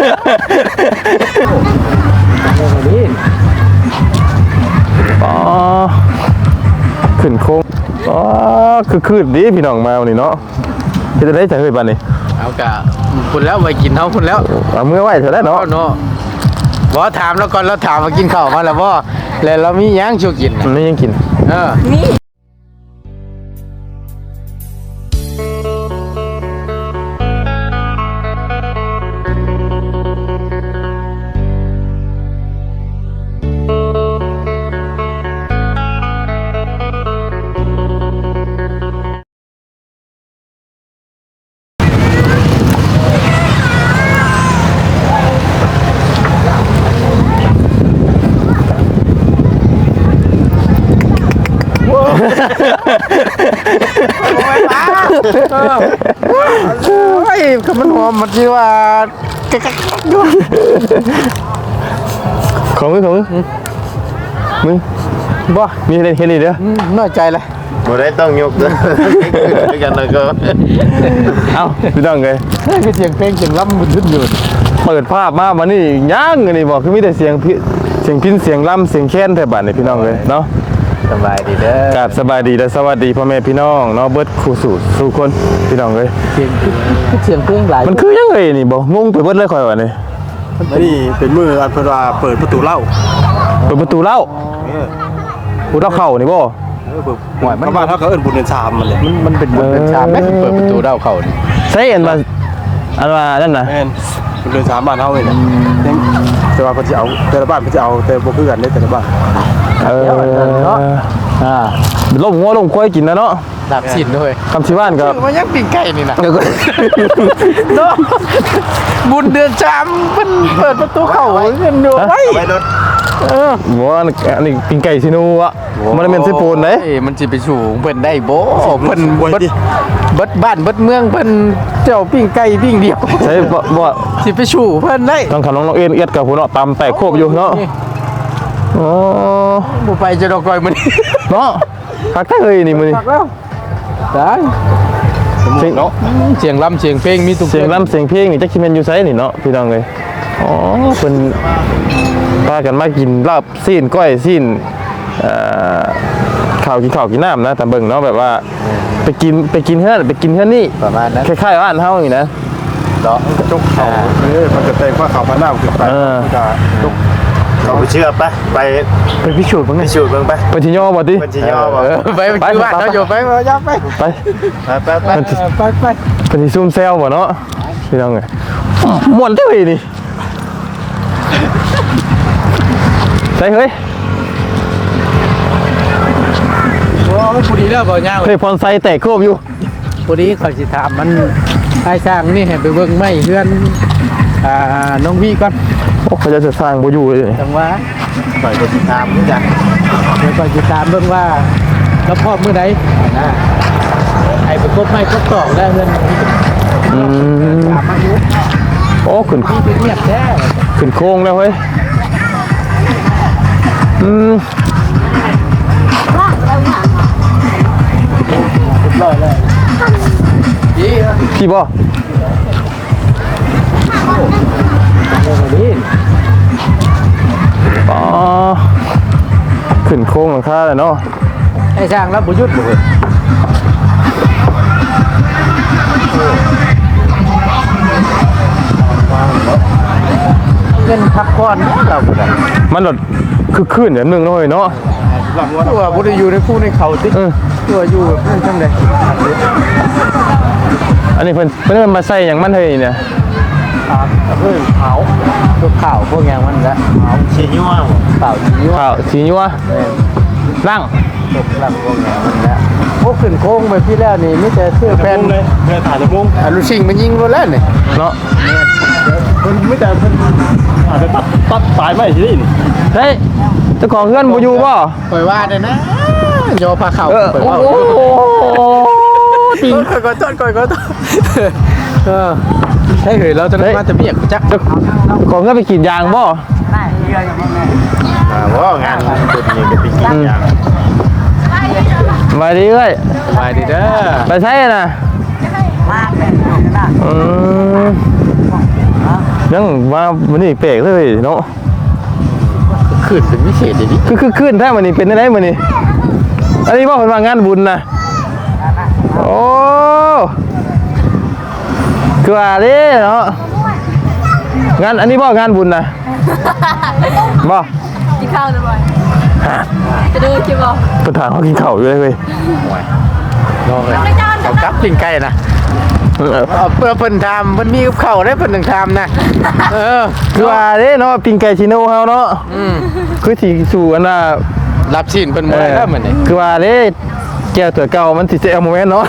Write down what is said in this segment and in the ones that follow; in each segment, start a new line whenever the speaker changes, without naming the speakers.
อ๋อขึ้นโค้งอ๋อคือคืนดีพี่น้องมาวันนี้เนาะจะได้จะเคยบ้านนี่
เอากะคุณแล้วไปกินเท่าคุณแล้ว
เอาเมื่อไหร่เธอได้เนาะ
บ่ถามแล้วก่อนแล้วถามมากินข้าวมาแล้วบ่แล้วเรามียังชูกิน
มันไม่ยังกิน
นี่
ไอ้คือมันหอมมันที่ว่า
ของมึงบ่มีเห็นนี่เด้อ
น้อยใจเลย
บ่ได้ต้องยกเด้อกันแล้วก็
เอ้าพี่น้องเอ้ย
คือเสียงเพลงเสียงล้ำมันขึ้นอยู่
เปิดภาพมาวันนี้ย่างอันนี้บอกคือมีแต่เสียงพินเสียงล่ำเสียงแค้นแถวบ้านนี่พี่น้องเลยเนาะ
สบายดีเด้อก
ราบสบายดีและสวัสดีพ่อแม่พี่น้องเนาะเบิดคู่สู่คนพี่น้องเลย
เสียงเพลงหลาย
มันคือยังไงนี่บ่งงไปเบิดเลยข่อยว่านี่
นี่เป็นมืออันเพิ่นว่าเปิดประตูเล่า
ผู้เเข้านี่บ่
ห่วยมันบ้านเฮาก็เอิ้นบุญเดือน3มันแหละ
มันเป็นบุญเดือน3แม่เปิดประตูเล่าเข้านี่
ใช่อันว่านั่นน่ะ
แม่นบุญเดือน3บ้านเฮานี่แหละแต่ว่าเพิ่นสิเอาแต่ละบ้านเพิ่นสิเอาแต่บ่คือกันได้แต่ละบ้าน
เนาะล้มงัวล้มควายกินนะเนาะ
ดับสินด้วย
คำชิบ้านก็
มันยังปิ้งไก่นี่นะเนาะบุญเดือน3เพิ่นเปิดประตูเข้าเงินอยู่ไว้
รถ
บ่อันนี้ปิ้งไก่ซินูอ่ะมันเป็นไส้ปูนเด้
มันสิไปสู่เพิ่นได้บ่เพิ่นเบิดบ้านเบิดเมืองเพิ่นเจ้าปิ้งไก่ปิ้งเดียว
ใช่บ่
สิไปสู่เพิ่นได้
ต้องน้องเอียดกับผู้เนาะตำแตกโคบอยู่เนาะอ๋อ
บ่ไปจะดอกก้อยมื้อนี้
เนาะคักแท้เฮ้ยนี่มื้อนี้
ได้เนาะเสียงลำเสียงเพลงมีทุก
เสียงลำเสียงเพลงนี่จักสิแม่นอยู่ไสนี่เนาะพี่น้องเอ้ยอ๋อเพิ่นพากันมากินลาบซีนก้อยซีนข้าวกินน้ำนะแต่เบิ่งเนาะแบบว่าไปกินเฮือนนี่
ประมาณนั้น
คล้ายๆบ้านเฮาอย่างนี้นะ
เนาะจุกเขามันจะแต่งว่าเขาพาน้ำขึ้นไปก็จุกเราไปเชื่อไป
พิสูจน์เบิ่งไปสิย่อบ่ติ
ไปบ้านเฮาอยู่ไปย่าไป
เป็นสิซุ่มแซวบ่เนาะพี่น้องเอ้ยม่วนเด้อนี่ใส่เฮ้ย
โอ้พอดีแล้วบ่ย่าง
เฮ้ยพรไซแตกโคบอยู่
พอดีเขาสิถามมันให้สร้างนี่ให้ไปเบิ่งไม้เฮือนน้องพี่ก่อน
โอ้เขาจะสร้างบ่อยู่เลย
จังว่า
ปล่อยสิถามนี่จ้ะ
เดี๋ยวก่อนสิถามเบิ่งว่าแล้วพ่อมื้อใดนะให้ไปกบไม้กบตอกได้เฮือนถามมาอยู่
โอ้ขึ้น
เงียบแท้
ขึ้นโค้งแล้วเฮ้ยพี่บ่อ๋อขึ้นโค้งหลังคาเลยเนาะ
ไอ้ช่างแล้วบุญยุทธ์เงินพักผ่อนเราบุญ
มันหลดคือขึ้นอย่างนึงเลยเนาะ
ตัวบุญอยู่ในคู่ในเขาติตัวอยู่เพื่อนจังเลย
อันนี้เพิ่นมาใส่อย่างมันเฮ้ยเนี่ย
เพื่อนเผาตัวข่าวพวกอย่างมันละ
เผาชีนัว
เผา
ชีนัวร่าง
ตกร่างพวกอย่างมันละพวกขึ้นโค้งไปพี่แล้วนี่ไม่แต่เสื้อแฟน
เลยเรือถ่ายตะมุง
ลูกชิงมันยิงรถแล้วนี่
เนาะ
คนไม่แต่คนอาจจะตัดสายไม่ใช่นี่
เฮ้ยเจ้าของเพื่อนบ่อยู่ป่ะ
ปล่อยว่าเลยนะโยพาเข่าปล่อยว่าตีก่อนต้นให้เหยเราจะได้มาจะเบียกจัก
ของเพื่อนไปกินยางป่ะ
ว่างานคนนี้ไปกินยาง
ไปดีเลย
ไปดีเด้อ
ไปใช่น่ะยังมาวันนี้แปลกเลยเนาะ
ขึ้นเป็นพิเศษอย่างนี้
คือขึ้นแท้วันนี้เป็นได้วันนี้อันนี้ว่าเป็นว่างานบุญนะโอ้คือว่าเด้เนาะงานอันนี้บ่งานบุญนะบ่
กินข้าวเลยบ่อยจะดูคลิปบ่
ประธานเขากินข้าวอยู่เลยเว้ย
ลองเลยเขากับปิ้งไก่นะเอาเพิ่นทำเพิ่นมีกับข้าวได้เพิ่นถึงทำนะ
คือว่าเด้เนาะปิงไก่ชิโน่เฮาเนาะคือสิสู่อันน่ะ
รับชิ้นเพิ่นบ่ได้แล้วเหมือนนี่
คือว่าเด้แก้วตัวเก่ามันสิเสียโมเมนต์เนาะ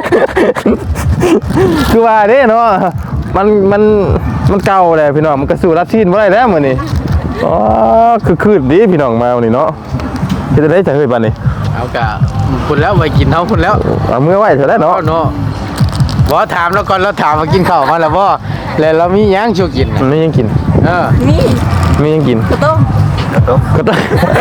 คือว่าเด้เนาะมันเก่าแล้วพี่น้องมันก็สู่รับชิ้นบ่ได้แล้วมื้อนี้อ๋อคือคืนดีพี่น้องมาวันนี้เนาะเฮ็ดได้จังเฮ้ยบัดนี้
เอากะคุณแล้วไปกินเฮาคุณแล้ว
เอามือไว้เถอะแล้วเนาะ
เนาะบ่ถามแล้วก่อนเราถามมากินข้าวมาแล้วบ่แล้วเรามีหยังชูกิน
มันไม่ยังกิน
นี่
ไม่ยังกิน
ข้าวต้ม
ก็ต้อง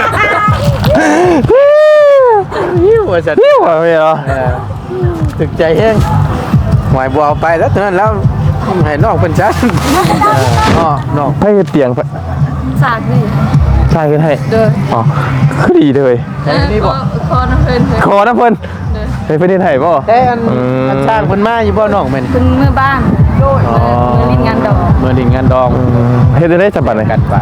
หิวว่าซั่น
นี่ว่าไม่เหรอ
ถึกใจแฮงหมายบ่เอาไปแล้วเท่านั้นแล้วให้น้องเพิ่นจัดน้อง
ให้เตียง
สากนี่
ใช่ขึ้นให้
เด้อ
อ๋อคือดีเลย
นี่บ่
คอน้ำเพิ่น
ขอนะเพิ่นให้เพิ่นได้ให้บ่
แต่อันสร้างเพิ่นมาอยู่บ่น้องแม่น
คุณมือบ้านมือลิ้นงานดอก
เมื่อดิ่งงานดอง
เฮ็ดได้จับบัดเลย
กันไป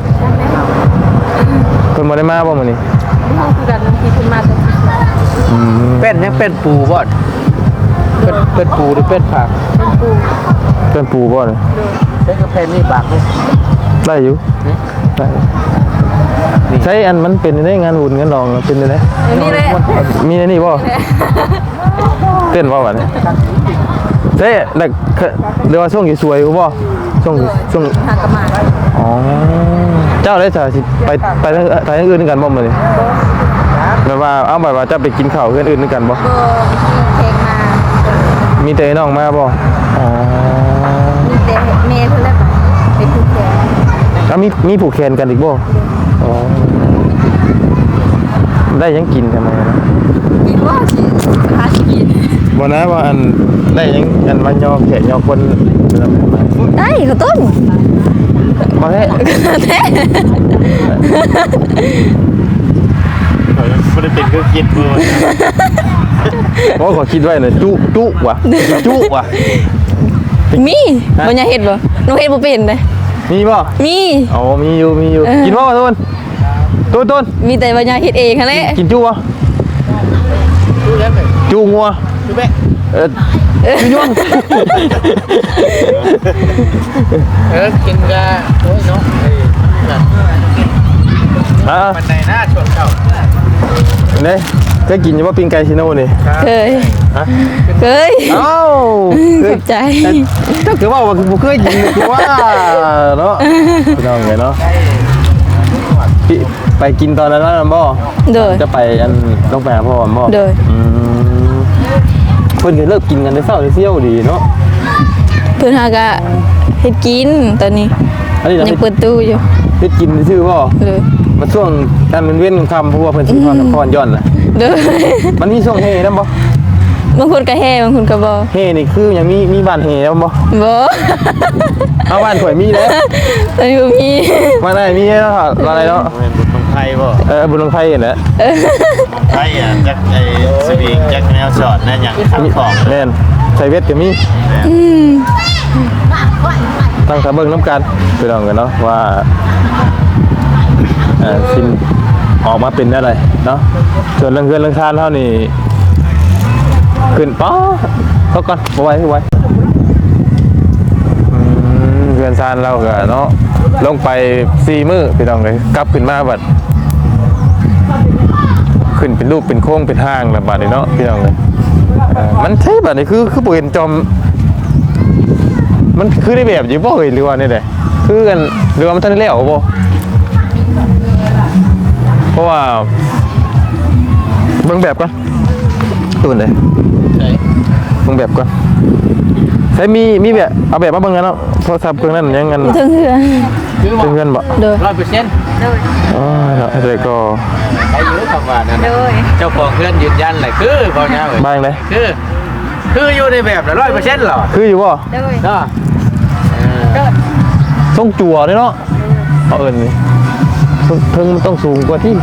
เพิ่นบ่ได้มาบ่มื้อนี้
ห้องคือกันที่คุณมาแต่
เป็นยังเป็นปูบ่เป็นปูหรือเป็นผัก
เพิ่นปูบ่เนี่ย
ใช้กระเพนนี่บากนี่
ได้อยู่ได้ใช้อันมันเป็นได้งานบุญงานรองเป็นได้
นี่แหละ
มีในนี่บ่เต้นบ่บัดนี้ใช่นักเรียกว่าช่วงสวยๆบ่ช่วง
หากระหมา
อ๋อเจ้าได้จะไปทางอื่นด้วยกันบ่มื้อนี้แบบว่าเอาแบบว่าจะไปกินข้าวเพื่อนอื่นด้วยกันบ่
ก็เพลงมา
มีแต่น้องมาบ่อ๋อ
มีแต่เมย์เท่านั้นไปผูกแขน
แล้วมีผูกแขนกันอีกบ่อ๋อได้ยังกินทำไมนะ
กินว่าสิหาสิกิน
บ่นะว่าอันได้ยังอันมายอแขนยอคน
ได้ข้าวต้ม
บ่ได้
แท้
ไม่ได้เป็นเครื่องคิดเลย
โอ้ขอคิดไว้น่ะจุว่ะจุว่ะ
มีบ่อยากเฮ็ดบ่น้องเฮ็ดบ่เป็นเด้
มีบ่
มี
อ๋อมีอยู่กินบ่ต้น
มีแต่บ่อยากเฮ็ดเองหั่นแหละ
กินจุบ่
ดูแล้วไหม
จุงัว
ดูแม่
จุย่วง
กินกะโอ้ยเนาะ มันในหน้าชวนเข้า
นี่เคยกินอยู่ว่าปิ้งไก่ชิโน่นี่
เคย
ฮะ
เคย
เอ้า
ขอบใจ
เจ้าคือว่าคือเคยกินคือว่าเนาะพี่น้องไงเนาะไปกินตอนนั้นแล้วบ่
โดย
จะไปอันต้องไปหาพ่อบ่
โดย
เพิ่นก็เลิกกินกันได้เศร้าได้เซี่ยวดีเนาะ
เพิ่นหากะเฮ็ดกินตอนนี้
อันนี้เรา
ยังเปิดตู้อยู่
เฮ็ดกินชื่อบ่
เลย
มันช่วงการเป็นเว้นคำเพราะว่าเพิ่นสิพรนครย้อนน่ะ
เด้อ
มันมีช่วงเฮนำบ่
บางคนก็แฮ่บางคนก็บ่
เฮนี่คือยังมีบ้านเฮนำบ่
บ่
เอาบ้านข่อยมีแล้ว
ตอนนี้บ่มี
มาได้มีแล้วอะไรเนาะ
เป็นบุญของไทยบ่
บุญลงไทยน่ะ
ของไทยอ่ะจักไอ้สวิงจักแนวช็อตนั่นอย่างขังของ
แม่นใส่เวทก็มีตั้งตาเบิ่งน้ำกันไปลองกันเนาะว่าสินออกมาเป็นอะไรเนาะส่วนเรื่องเงินเรื่องทานเท่านี่ขึ้นป๊อเขาก่อนบ่ไหวเงินทานเราก็เนาะลงไป4 มื้อพี่น้องเลยกลับขึ้นมาบัดขึ้นเป็นรูปเป็นโค้งเป็นห้างแบบบัดนี้เนาะพี่น้องเลยมันใช่บัดนี้คือบ่เห็นจอมมันคือได้แบบอยู่บ่เอ้ยหรือว่านี่แหละคือกันหรือว่ามันทันได้แล้วบ่เพราะว่าเบิ่งแบบก่อนตูนเลยเบิ่งแบบก่อนใช้มีแบบเอาแบบมาเบิ่งกันเนาะโทรศัพท์เครื่องนั้นยังงั้น
มีเทิงเหือ
ถึงเงินบ่
โดย
100%
อ๋อเนาะแต่ก็
ใครอยู่คำว่านั่น
โดย
เจ้าของเพื่อนยืนยันเลยคือบ่เนาะ
บ้างเลย
คืออยู่ในแบบละ100%หรอ
คืออยู่บ่
โดย
เนาะ
ต้องจั่วเลยเนาะเอาเอิญนี่เพิ่งมันต้องสูงกว่าที่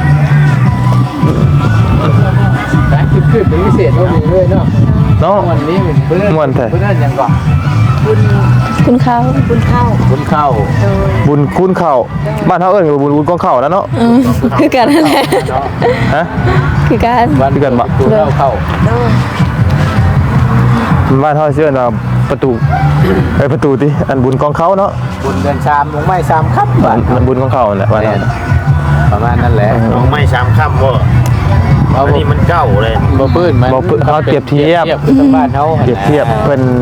นะขึ้นเป็นพิเศษเท่านี้เลยเนาะ
เนาะ
วันนี้เพื่อน
ม่วนแท้
เพื่อนยังก่อน
คุณเขา
คุณเข้า
บุญคุณเข่าบ้านเฮาเอิญกับบุญกองเข่านะเนาะ
คือกันนั่นแหละ
ฮะ
คือกัน
วัน
คือกันบ่
คุณเข้า
บ้านเฮาเชื่อว่าประตูประตูติอันบุญกองเขาเนาะ
บุญเดือนชามลงไม้ชามครับบ้าน
มันบุญกองเขานั่นแหละบ้านเฮา
ประมาณนั้นแหละ
น้องไม่ซ้ำค่ำบ่
เอา
อันนี้มันเก่าเลย
บ่ปื้นมัน
บ่เขาเปรียบเทียบ
คือทางบ้านเขา
เปรียบเทียบเพิ่น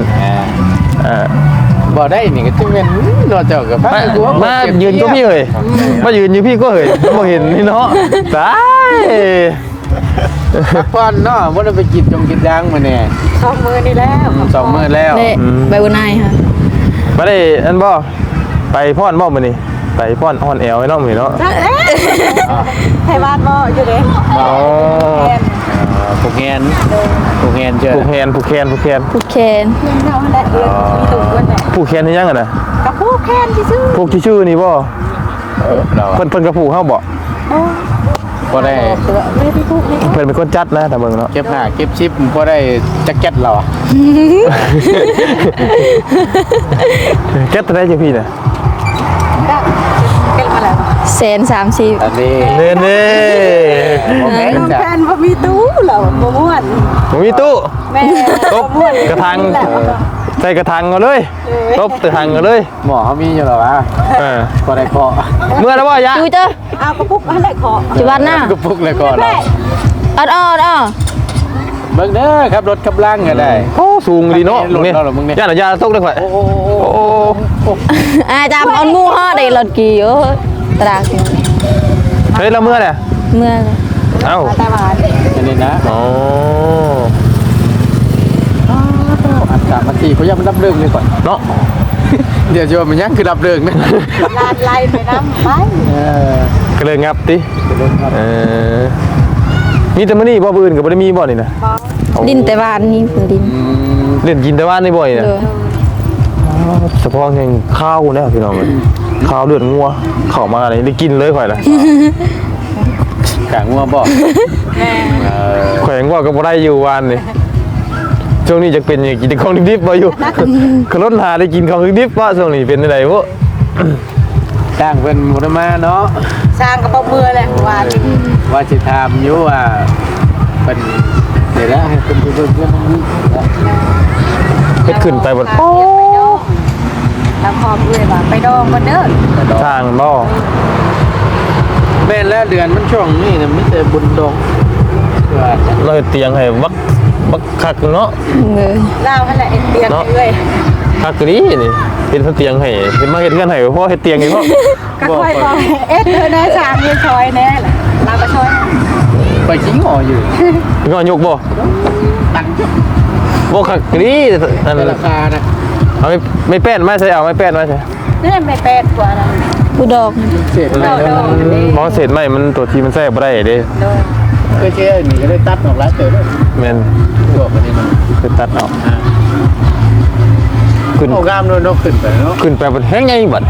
บ่ได้นี่ก็จึงเป็นนอกจากกับพระ
มายืนก็พี่เอ้ยมายืนอยู่พี่ก็เอ้ยบ่เห็นนี่เนาะตาย
พักผ่อนเนาะบ่ได้ไปกินยางมาเนี่ย2 มื้อนี่แล้ว2 มื้อแล้ว
เละใบบุญนายค่ะ
มาได้อันบ่ไปพรบ่มื้อนี้ไปพรอ่อนแอวไอ้น้องมื้อนี้เนาะ
ไทยบ้านบ่อยู่เด้
อ๋อ
ผูกแขนเจอ
ผูกแขน
ผูกแขน
เงินเท่านั้นแหละเดือนมีตุ่มด้วยแหละ
ผูกแขนให้ยังอ่ะนะ
กับผู้แค้นที่ซื้อ
ผูกที่ชื่อนี่บ่
เรา
เพิ่นก็ผูกเฮาบ่
บ่ได้
ไม่ได้ผู้ให้
เพิ่นเป็นคนจัดนะแต่เบิ่งเนาะ
เก็บผ้าเก็บชิปบ่ได้แจ็คเก็ตเรา
แก๊สได้จังพี่น่ะ
ก็เกินมาแล้ว
130
อันนี้
เน่เน่
บ่แม่น
น้อง
จ้ะ
แฟนบ่มีตู้เหรอบ่ม่วน
ผมมีตู้
แม่
ตบกระถางใส่กระถางเอาเลยตบกระถางเอาเลย
หมอเขามีอยู่หรอวะ บ่ได้เคาะ
เมื่อแล้วว่ายะ
จูเจ้า
เอากระปุกอันไหนขอ
จุบันหน้า
ก็ปุกเลยก่อนเรา
ออด
เบิ่งเด้อครับรถกำลังก็ได้
โอ้สูงดีเนาะ
รถเราเหรอมึงเนี่ย
ย่านยาตกได้ข่อย
โอ้
โอ้
จำเอางูห่อได้รถกี่เอ้ยตราก
เฮ้ยเราเมื่อเนี่ย
เมื่อ
เอ้า
ตาหวาน
อันนี้นะ
อ๋อ
อัน3นาทีเขายังมันรับเรื่องเลยก่อน
เนาะ
เดี๋ยวจะว่ามันยังคือรับเรื่องนะ
ลานไล่ไปน้ำไป
ก็เลยงับติมีแต่มื้อนี้บ่อื่นก็บ่ได้มีบ่นี่นะ
ดินแต่บ้านนี่คือดิน
เล่นกินแต่ว่านี่บ่นี่นะ
เด้อ
เฉพาะแห่งข้าวนะพี่น้องเอ้ยข้าวเลือดงัวเข้ามานี่ได้กินเลยข่อยล่ะ
กางงัวบอก
ข่อยยังว่าก็บ่ได้อยู่วานนี่ช่วงนี้จะเป็นอย่างกินแต่ของดิบๆบ่อยู่ขนหาได้กินของดิบๆว่าช่วงนี้เป็นจังได๋บ่
จ้างเป็นมุนมาเนาะ
สร้างกระเป๋ามือแหละหวาน
ว่าจะทำอยู่ว่าเป็นเดี๋ยวแล้วให้เป็นเพื่อนนี้
เฮ็ดขึ้นไปบ่
ไปดองแล้วพอเพื่อนว่าไปดองกันเด้อ
ทางบ่
แม่นแล้วเดือนมันช่วงนี้นะมิแต่บุญดงว่าจะ
เราเฮ็ดเตียงให้บักคักเนาะ
เลย
เล่าให้แหละเอ็นเตียนเลย
คักกะนี้นี่เป็นเตียงให้เป็นมาเฮ็ดเงินให้เพราะเฮ็ดเตียงนี่เพราะ
ก็ค่อยบอกเอ็ดเธอแน่สามเงินชอยแน่แหละเราก็ชอย
ไปชิงหออยู่
งอยกบ่
ตังค์
บ่คักกะนี้นั่น
ในราคานะ
เอาไม่แป้นมาใส่เอาไม่แป้นมาใส่
นี่ไม่แปดกว่านะ
ผู้ดอก
เศษอะไรแล้ว
มองเศษไม้มันตัวที่มันแซ่บบ่ได้เด้
โดย
ก็เชื่อหนีก็ได้ตัดออกแล้วเจอด้วย
แม่น
ตัวมันนี่มัน
คือตัดออกขึ้น
โอ้กล้ามโดนนกขึ้นไปเนาะ
ขึ้นไปบนแห้งใหญ่บัด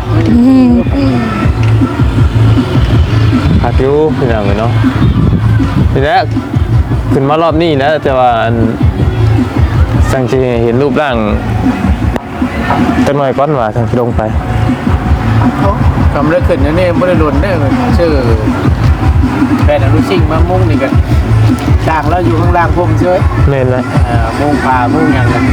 หักอยู่พี่น้องเนาะทีแรกขึ้นมารอบนี้แล้วแต่ว่าอันสังเกตเห็นรูปร่างจักหน่อยก่อนว่าทางลงไป
คำเลิกขึ้นนี่ไม่ได้หล่นได้ชื่อแฟนอนุชิงมามุ่งนี่กันจ้างแล้วอยู่ข้างล่างผมเฉย
แม่นเลย
มุ่งปลามุ่งอย่างกัน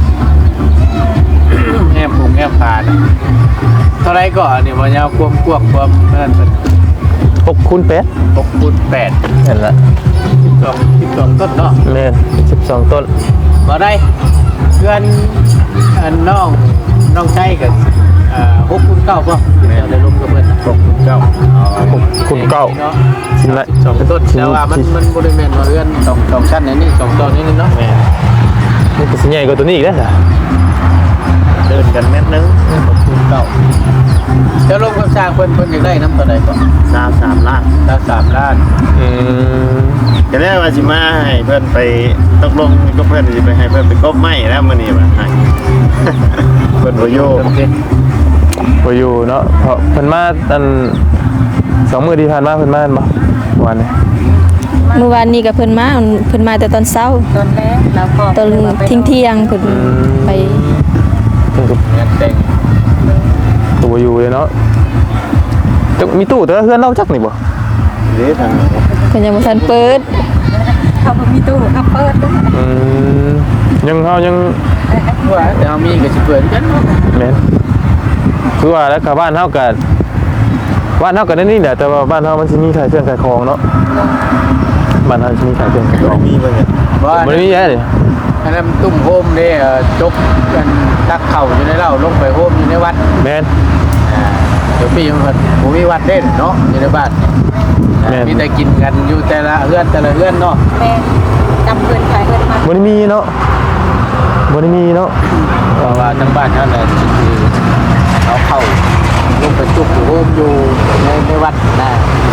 แง่ผงแง่ปลาเท่าไรก่อนเนี่ยวันยาวควมนั่นเป็น
6คูณ8
6 คูณ 8
นั่นแหละ
12ต้นเนาะ
แม่น12ต้น
บ่ได้เพื่อนน้องใจกับ6 คูณ 9ป่ะได้ลงกับเพื่อน6 คูณ 9
6คูณ9
เนาะ
ชิ้นละ
2 ต้นแต่ว่ามันบริเวณว่าเพื่อน2ชั้นนี่2ต้นนี่เนาะ
นี่ก็สิใหญ่กว่าตัวนี้อีกแล้วจ้ะ
เดินกันเม็ดนึง
6 คูณ 9จะลงกับสร้างเพิ่นอยากได้น้ำตัวใดก่อน
3 ล้าน
3 ล้าน
อืม
ก็ได้ว่าสิมาให้เพื่อนไปตกลงก็เพื่อนสิไปให้เพื่อนไปกบไม้แล้วมื้อนี้ว่าให้ เพื่อนบ่อยู่
บ่อยู่เนาะเพราะเพิ่นมาอัน2 มื้อที่ผ่านมาเพิ่นมาบ่วันนี้
เมื่อวานนี้ก็เพิ่นมาแต่ตอนเช้า
ตอนแรกเราก็
ตอนเที่ยงๆเพิ่นไป
เพิ่นก็
งานแต่ง
ตัวอยู่เลยเนาะจะมีตู้แต่ว่าเพื่อนเราจักนี่บ่
เด้ทาง
เพิ่นยังบ่ทันเปิด
เขาบ่มีตู้เขาเปิด
อืมยังเฮายัง
ว่าแต่เฮามีก็สิเปิดกันเนาะ
แม่นคือว่าแล้วก็บ้านเฮาก็ได้นี่แหละแต่ว่าบ้านเฮามันสิมีขายเครื่องขายของเนาะบ้านเฮาสิมีขายเครื่องขายของ
มีบ่เนี่ย
ว่า
บ่ได้มีแย่นี่
อันนั้นตุ้มโฮมเด้จกกันตักเข่าอยู่ในเหล้าลงไปโฮมอยู่ในวัด
แม่น
เดี๋ยวปีมันผมมีวัดเด่นเนาะอยู่ในบ้าน
แม่น
มีแต่กินกันอยู่แต่ละเฮือนเนาะ
แม่จำเพิ่นขายเพิ่นมา
บ่ได้มีเนาะบ่ได้มีเนาะ
เพราะว่าทั้งบ้านนั่นแหละคือเขาเข้าลงไปจุกอยู่โฮมอยู่ในวัดนะ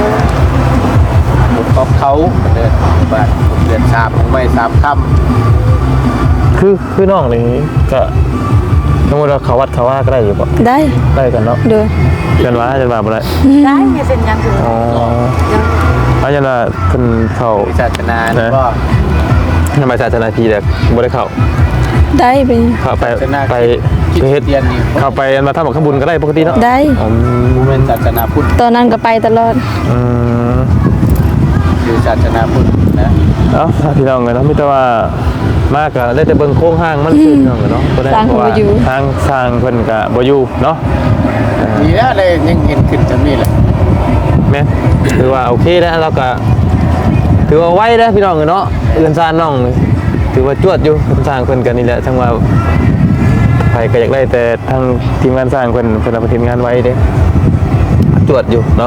ผมเขาเดินบ้านผมเดือน3ของไม่3ค่ำ
คือน้องนี่ก็สมมุติว่าเขาวัดเขาว่าก็ได้อยู่บ่
ได้
ได้กันเนาะ
โดย
จันว่าบ่ได้
ได้มีเป็นยังอยู่
อ๋ออาจารย์ว่าเพิ่นเข้า
ศาสนานี่ก็
ทำไมศาสนาพีเด็กบ่ได้เข้า
ได้ไป
เข้าไป
ศาสนา
ไป
คริส
เฮ็ด
เตียนนี่
เข้าไปมาทำกับข้าวบุญก็ได้ปกติเนาะ
ได้
อืม
เป็นศาสนาพุทธ
ตอนนั้นก็ไปตลอด
อืม
อยู่ศาสนาพุทธนะ
เอ้าพี่น้องเนาะมีแต่ว่ามากก็ได้แต่เบิ่งโครงห้างมันคือพี่น้องเนาะบ่ได้
สร้าง
เพราะว่า
บ่อยู่
ทางสร้างเพิ่นก็บ่อยู่เนาะ
ดีแล้วเลยยังเห็นขึ้นจำนี่แหละ
แม่นถือว่าโอเคแล้วเราก็ถือว่าไว้แล้วพี่น้องเนาะเอื้อนซานน้องนี่ถือว่าจวดอยู่เพิ่นสร้างเพิ่นกันนี่แหละทั้งว่าไผก็อยากได้แต่ทางทีมงานสร้างเพิ่นเอาไปทีมงานไว้เด้จวดอยู่เนาะ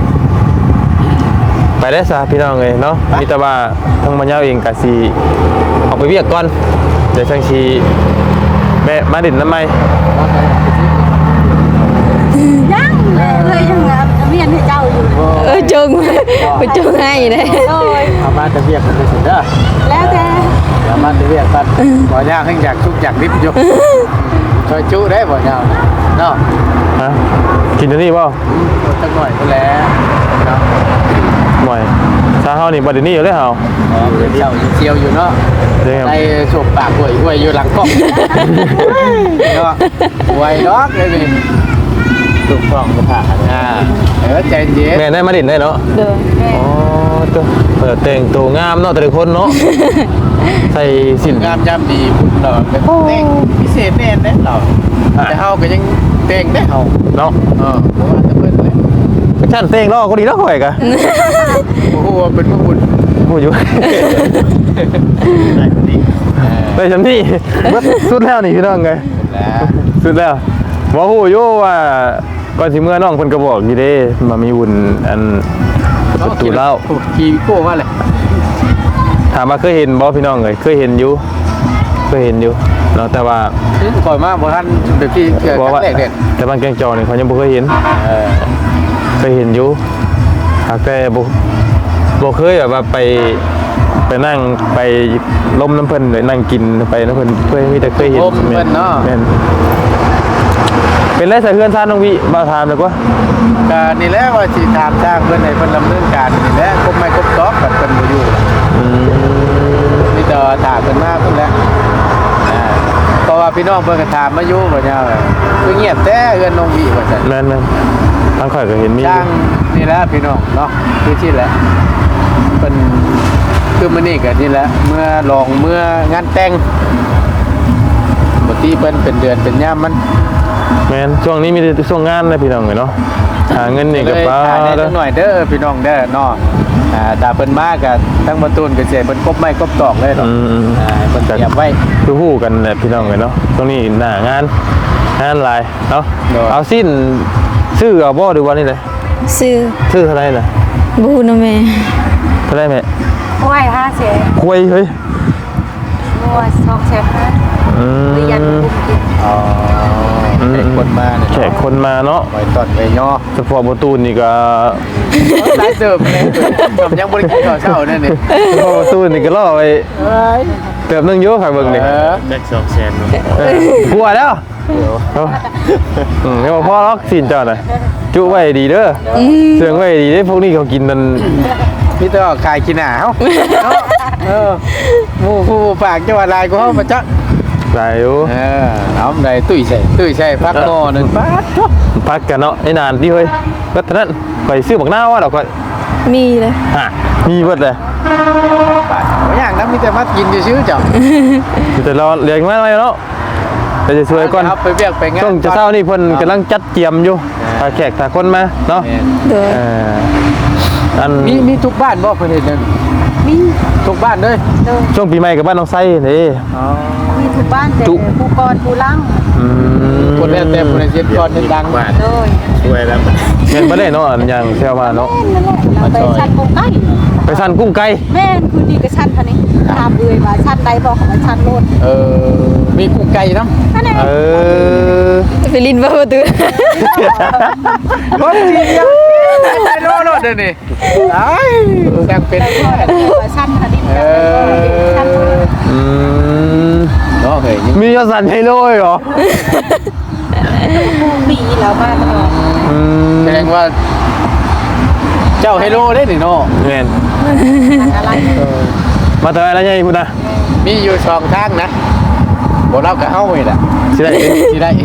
ไปได้ซะพี่น้องเอ้ยเนาะมีแต่ว่าทางบ่ยาวเองก็สิออกไปเวียกก่อนเดี๋ยวจังสิแม่มาดินน้ำไหม
ยังเลยยังเมียนให้เจ้าอยู่
จงไปจงให้เลย
โอ้ย
เอามาจะเวียกกันไปสุดเด้อ
แล้วแต่
เอามาจะเวียกกันบ่ยากให้อยากชุกอยากริบอยู่ช่วยจุได้บ่ยาวเนาะ
ฮะกินอันนี้บ่
สักหน่อยก็แล้วเนาะ
หน่อยชาเฮานี่บ่ได้นี่อยู่เลยเฮา
อ๋อเป็นเจ้าเจียวอยู่เนาะ
เด้ครับ
ได้สบปากหวยอยู่หลังกล้องเนาะหวยดอกเลยนี่ถูกต้องก็ผ่านใจเย็น
แม่ได้มาดินได้เนาะ
โดย
อ๋อตัวเปิดแต่งตัวงามเนาะแต่ละคนเนาะใส่สิน
งามยามดีพุ่นเราเป็นเต้งพิเศษแน่เด้เราแต่เฮาก็ยังเต้งได้เฮา
เนาะ
เพราะว่าจะเพิ่นเลย
ฉันแต่งรอก็ดีแล้วข่อยกะ
โอ้โหเป็นพระบุญ
พูดอยู่
ได้คนนี้
ได้ฉันนี่เบิดสุดแล้วนี่พี่น้องไง
แล้ว
สุดแล้วบ่ฮู้อยู่ว่าก่อนสิเมื่อน้องเพิ่นก็บอกอยู่เด้มามีบุญอันประตูเล่า
ขี่โก้ว่าอะไร
ถามว่าเคยเห็นบ่พี่น้องเอ้ยเคยเห็นอยู่เนาะแต่ว่า
ก่อยมากบ่ท่านแบบที่เกิด
บอก
ครั้
ว่าง
แรกเด็ด
แต่บ้านแกงจอนี่เขายังบ่เคยเห็นเคยเห็นอยู่หากแต่บ่เคยแบบว่าไปนั่งไปล้มน้ำเพิ่นหรือนั่งกินไปน้ำเพิ่นเคยมีแต่เคยเห็นแม่นเป็นไรใส่เพื่อนซ่านน้องวิบ่ถามเลยกว่า
ก็นี่แหละว่าสิถามจ้างเพิ่นให้เพิ่นดำเนินการนี่แหละครบไม่ครบตอกกับเพิ่นบ่อยู่มีแต่ถามเพิ่นมาเพิ่นแหละเพราะว่าพี่น้องเพิ่นก็ถามมาอยู่บ่ยาวคือเงียบแต่เอื้อนน้องวิว่าซั่น
แม่นทางข่อยก็เห็นมี
จ้างนี่แหละพี่น้องเนาะคือที่แหละเป็นคือมื้อนี้ก็นี่แหละเมื่อลองเมื่องานแต่งปกติเพิ่นเป็นเดือนเป็นยามมัน
แม่นช่วงนี้มีแต่ช่วงงานนะพี่น้องเนาะหาเงินนี่ก็
เลย
ป้า
ถ่ายได้จักหน่อยเด้อพี่น้องเด้อเนาะถ้าเพิ่นมาก็ทั้งประตูนก็สิให้เพิ่นกบไม้กบตอกเลยเนาะให้เพิ่นเตรียมไว้
คือฮู้กันแหละพี่น้องเนาะช่วงนี้หน้างานหลายเนาะเอาสิ้นซื้อเอาบ่หรือว่านี่เลย
ซื้อ
ซื้อเท่าไหร่น่ะ
บูนะแม่
เท่าไหร่แม่
โอ้ย5แสน
คุยเฮ้ย
โอ้ย2แสนนะ
อืม
หรือยันบุญกิน
อ๋อแขกคนมาเนี่ย
แขกคนมาเนาะ
ไว้ตอนไว้ย่อ
เฉพาะประตูนี่ก็
หลายเติบเลยผมยังบ่ได้กินข้าวเช้านั่นนี่
เฉพาะประตูนี่ก็ล่อไปเติมนึงอยู่ค่ะเบิ่งนี่
เออ
แจ็ค200,000เนาะ
กลัวแล้วเนาะไม่บอกพ่อหรอกสินเจ้าน่ะจุไว้ดีเด้อเสื่องไว้ดีได้พวกนี้เขากินนั่น
พี่ต้องขายกินหนาวหมูผู้ฝากจังหวัดลายกูเขามาจัก
หลายอยู่
เอาได้ตุ้ยใส่พักหม้อหนึ่งป๊าด
พักกันเนาะไอ้นานที่เฮ้ยก็เท่านั้นไปซื้อบักหน้าวว่าดอกก็
มีเลย
ฮะมีเบิดเลย
ไม่อย่างนั้นมีแต่มากินชื่อๆจ้ะ
แต่เราเลี้ยงมาไว้เนาะแต่จะช่วยก่อน
เอาไปเบียกไปงาน
ต้องจะเศร้านี่เพิ่นกำลังจัดเจียมอยู่ถ้าแขกถ้าคนมาเนาะ
โดย
อัน
มีทุกบ้านบ่เพิ่นเห็นนั่น
มี
ทุกบ้านเลย
ช่วงปีใหม่กับบ้านน้องไส้นี่
มีทุกบ้านแต่ผู้กรผู้ลัง
คนแล้วแต่คนเจ็ดก่อนเห็นดัง
บ้าน
โดย
ช่วยแล้ว
เงินบ่ได้เนาะอันอย่างเซลมาเนาะ
นั่นแหละเราไปชั้นกุ้งไก่
ไปสั่นกุ้งไก่
แม่นคือดีกับชั้นเท่านี้ถามเลยว่าชั้นใดบอกว่าชั้นโลด
มีกุ้งไก่น้ำ
นั่นเอง
เออ
ไปลินบ่ประตู
รถจริงยังไม่รู้รถเดี๋ยวนี้ไอ้ยังเป็น
ว่าชั้นเท่านี้ชั้นโลด
เนาะเฮ้ย
มียอดสั่นให้เลยเหรอ
ปีแล้วมาตลอด
แสดงว่า เจ้าไฮโลได้หนิเนาะ
แม่น
อะไร
มาเถอะอะไรยังพูดนะ
มีอยู่สองทางนะบอกเรากับเฮ้าเลยล่ะ
สิได้
ที่ได้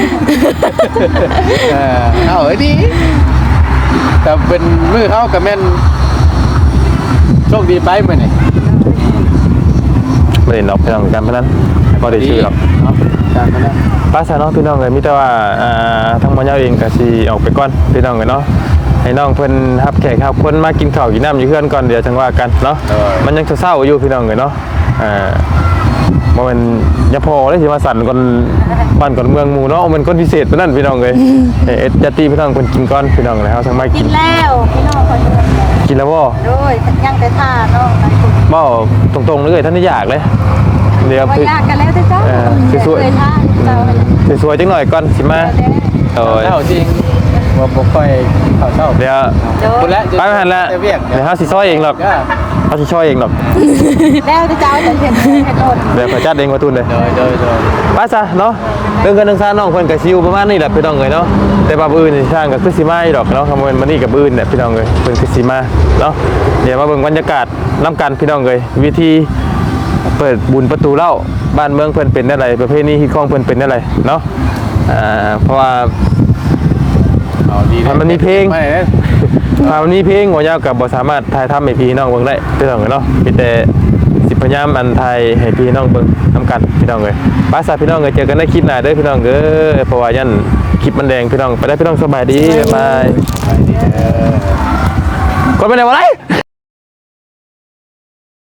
เอาดีแต่เป็นมือเขากับแม่นโชคดีไปเหมือนไง
ไม่ได้นอกไปทางการพนันบ่ได้ชื่อหรอก
เนาะการพนัน
ป้าสาวน้องพี่น้องเลยมิแต่ว่าทางมอญาเองก็สิออกไปก่อนพี่น้องเลยเนาะให้น้องเพิ่นรับแขกรับคนมากินข้าวกินน้ำอยู่เพื่อนก่อนเดี๋ยวจังว่ากันเนาะมันยังเศร้าๆอยู่พี่น้องเลยเนาะบ่แม่นอย่าพอเลยสิมาสั่นก่อนบ้านก่อนเมืองหมู่เนาะมันคนพิเศษปานนั้นพี่น้องเลยเอ็ดญาติพี่น้องเพิ่นกินก่อนพี่น้องเลยเฮาจังมา
กิ
กิ
น
น
แล้วพี่น้องคอย
กินแล้วบ่
โดยยังแต่ท่าเนาะ
บ่ตรงๆเลยท่านนี่อยากเลยเดี๋ยว
ว่ายากกันแล้วเจ้าเคยท่าเจ้า
สวยๆจังหน่อยก่อนสิมาโอ้ย
เท่าจริงว่าบ่ค่อยเข้าเท่า
เดี๋ยว
บุญแล้ว
ไปไม่ทันแล้ว
เวียก
เดี๋ยวเขาสิซอยเองหรอกเขาสิซอยเองหรอก
แล้วเจ้าจะเห็นโดน
เดี๋ยวเขาจัดเองมาตุนเลย
โดย
ไปซะเนาะเรื่องเงินเรื่องซ่านน้องเพิ่นก็สิอยู่ประมาณนี้แหละพี่น้องเอ้ยเนาะแต่ว่ามื้ออื่นนี่สร้างก็คือสิมาอีดอกเนาะคำว่ามื้อนี้กับมื้ออื่นเนี่ยพี่น้องเอ้ยเพิ่นคือสิมาเนาะเดี๋ยวมาเบิ่งบรรยากาศนํกันพี่น้องเอ้ยวิธีเปิดบุญประตูเหล้าบ้านเมืองเพิ่นเป็นได้ไรประเพณีฮิตของเพิ่นเป็นได้ไรเนาะเพราะว่า
เอาดี
มันมีเพลง
ไม่ได้
คราวนี้เพลงหัวยาวกับบ่สามารถถ่ายทำให้พี่น้องเบิ่งได้พี่น้องเอ้ยเนาะมีแต่สิพยายามอันไทยให้พี่น้องเบิ่งนำกันพี่น้องเอ้ยป้าสาพี่น้องเอ้ยเจอกันในคลิปหน้าเด้อพี่น้องเอ้ยเพราะว่ายันคลิปมันแดงพี่น้องไปได้พี่น้องสบายดีบ๊ายบายกดไปไหนวะไร